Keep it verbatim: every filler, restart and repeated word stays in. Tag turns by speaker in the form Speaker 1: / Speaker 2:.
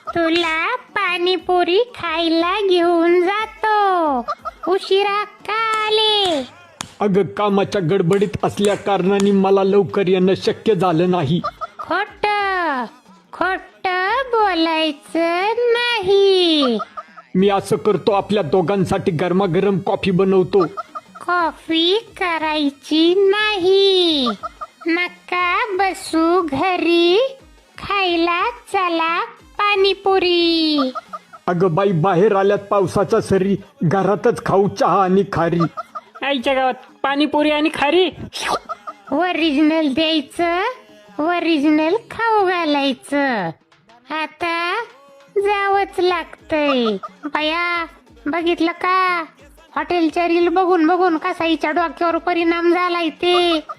Speaker 1: तुला पाणीपुरी खायला घेऊन जातो. उशिरा का आले?
Speaker 2: अगं कामाच्या गडबडीत असल्या कारणाने मला लवकर येणं शक्य झालं नाही.
Speaker 1: खोट खोट बोलायचं नाही.
Speaker 2: मी असं करतो, आपल्या दोघांसाठी गरमागरम कॉफी बनवतो.
Speaker 1: कॉफी करायची नाही. नका बसू घरी, खायला चला पाणीपुरी.
Speaker 2: अगं बाई, बाहेर आल्यात पावसाच्या सरी, घरातच खाऊ चहा आणि खारी.
Speaker 3: आईच्या गावात पाणीपुरी आणि खारी.
Speaker 1: ओरिजिनल द्यायचं, ओरिजिनल खाऊ घालायचं. आता जावंच लागतंय. बया, बघितलं का? हॉटेलच्या रील बघून बघून कसा हिच्या डोक्यावर परिणाम झालाय ते.